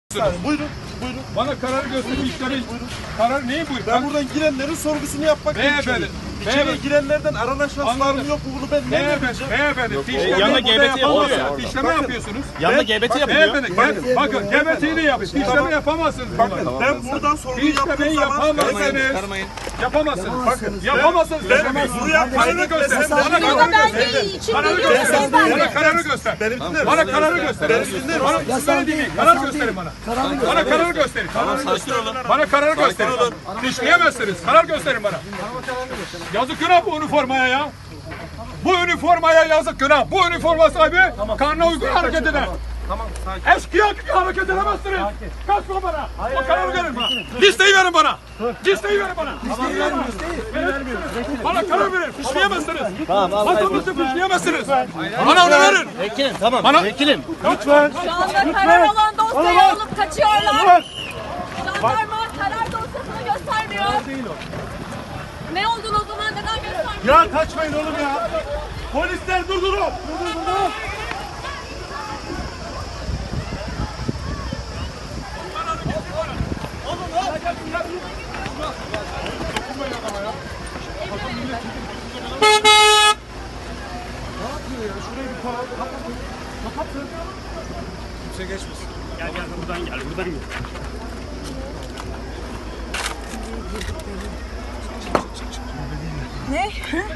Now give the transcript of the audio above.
Buyurun, buyurun. Bana kararı gösterin, işlemin. Karar neyi buyurun? Ben buradan girenlerin sorgusunu yapmak Beyefendi, İçeri beyefendi. girenlerden aranan şahıslar mı yok mu bunu ben ne bileceğim? Beyefendi, yanında GBT yapılıyor ya. İşleme yapıyorsunuz. Yanında GBT yapılıyor. Beyefendi, bakın GBT'yi de yapın. İşleme yapamazsınız. Bakın ben buradan sorgu İşlemeyi yaptığım zaman yapamazsınız. Yapamazsınız. Bakın, yapamazsınız. ben buraya Kararı göster. Bana Ama kararı ben göster. değil, için Kararı değil, göster. ben Bana kararı göster. Benim dinler Bana misin? kararı göster. Benim dinler Bana misin? siz beni dinleyin. Karar gösterin bana. Bana karar gösterin. Bana karar gösterin. İşleyemezsiniz. Karar gösterin bana. Yazık günah bu üniformaya ya. Bu üniformaya yazık günah. Bu üniforma sahibi kanuna uygun hareket eder. Eşkıya gibi hareket edemezsiniz. Kaçma bana. O kararı verin bana. Listeyi verin bana. Listeyi verin bana. Bana karar verin. Fişleyemezsiniz. Vatandaşı fişleyemezsiniz. Bana onu verin. Vekilim tamam. Bana- Vekilim. Lütfen. Şu anda karar olan dosyayı alıp kaçıyorlar. Jandarma karar dosyasını göstermiyor. Ne olduğunu o zaman neden göstermiyor? Ya kaçmayın oğlum ya. Polisler durdurun. Durdurun. Ne?